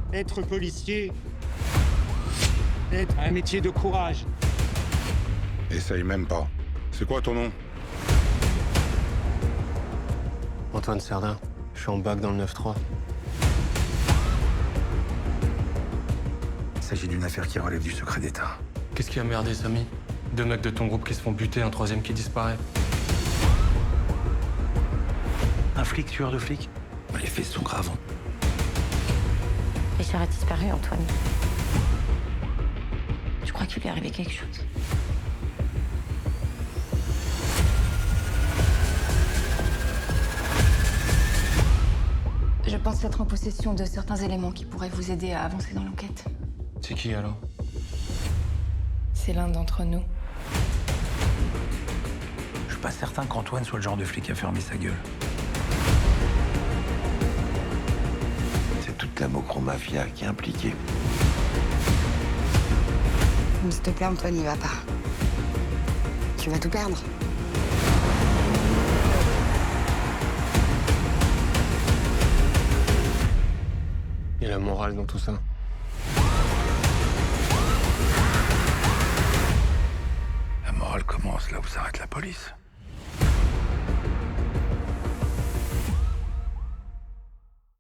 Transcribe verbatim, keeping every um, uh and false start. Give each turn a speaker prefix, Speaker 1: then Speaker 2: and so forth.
Speaker 1: Être policier est un métier de courage.
Speaker 2: Essaye même pas. C'est quoi ton nom?
Speaker 3: Antoine Serdin. Je suis en bac dans le neuf trois.
Speaker 4: Il s'agit d'une affaire qui relève du secret d'État.
Speaker 5: Qu'est-ce qui a merdé, Samy? Deux mecs de ton groupe qui se font buter, un troisième qui disparaît.
Speaker 4: Un flic tueur de flic? Les faits sont graves.
Speaker 6: Richard a disparu, Antoine. Je crois qu'il lui est arrivé quelque chose.
Speaker 7: Je pense être en possession de certains éléments qui pourraient vous aider à avancer dans l'enquête.
Speaker 5: C'est qui alors?
Speaker 7: C'est l'un d'entre nous.
Speaker 4: Je suis pas certain qu'Antoine soit le genre de flic à fermer sa gueule.
Speaker 8: C'est toute la Mocro-mafia qui est impliquée.
Speaker 9: S'il te plaît, Antoine, il va pas. Tu vas tout perdre.
Speaker 3: Et la morale dans tout ça.
Speaker 4: La morale commence là où s'arrête la police.